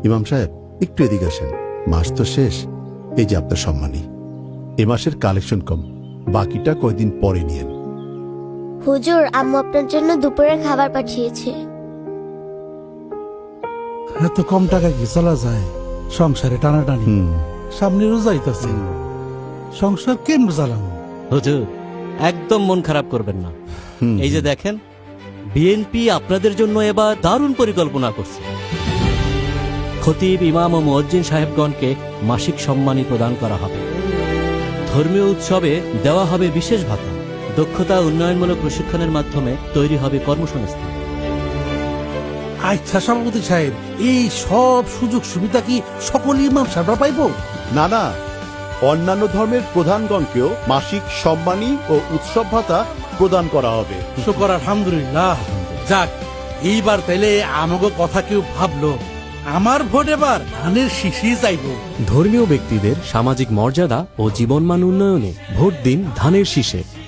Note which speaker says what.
Speaker 1: ইমাম সাহেব একটু এদিকে আসেন, মাস তো শেষ। এই যে আপনার সম্মানী, এ মাসের কালেকশন কম, বাকিটা কয়দিন পরে নিয়েন।
Speaker 2: হুজুর, আম্মু আপনার জন্য দুপুরের খাবার পাঠিয়েছে।
Speaker 3: এত কম টাকা কি চলা যায়? সংসারে টানাটানি, সামনে রোজা আইতাছে, সংসার কেমন চালানো?
Speaker 4: হুজুর, একদম মন খারাপ করবেন না। এই যে দেখেন, বিএনপি আপনাদের জন্য এবার দারুণ পরিকল্পনা করছে। খতিব, ইমাম ও মুয়াজ্জিন সাহেবগণকে মাসিক সম্মানী প্রদান করা হবে। ধর্মীয় উৎসবে দেওয়া হবে বিশেষ ভাতা। দক্ষতা উন্নয়নমূলক প্রশিক্ষণের মাধ্যমে তৈরি হবে কর্মসংস্থান।
Speaker 3: আচ্ছা সভাপতি সাহেব, এই সব সুযোগ সুবিধা কি সকল ইমাম সাহেবরা পাইবো?
Speaker 1: না না, অন্যান্য ধর্মের প্রধানগণকেও মাসিক সম্মানী ও উৎসব ভাতা প্রদান করা হবে।
Speaker 3: শুকর আলহামদুলিল্লাহ। যাক, এইবার তাইলে আমাকে কথা কেউ ভাবলো। আমার ভোট এবার ধানের শীষে যাইব।
Speaker 5: ধর্মীয় ব্যক্তিদের সামাজিক মর্যাদা ও জীবনমান উন্নয়নে ভোট দিন ধানের শীষে।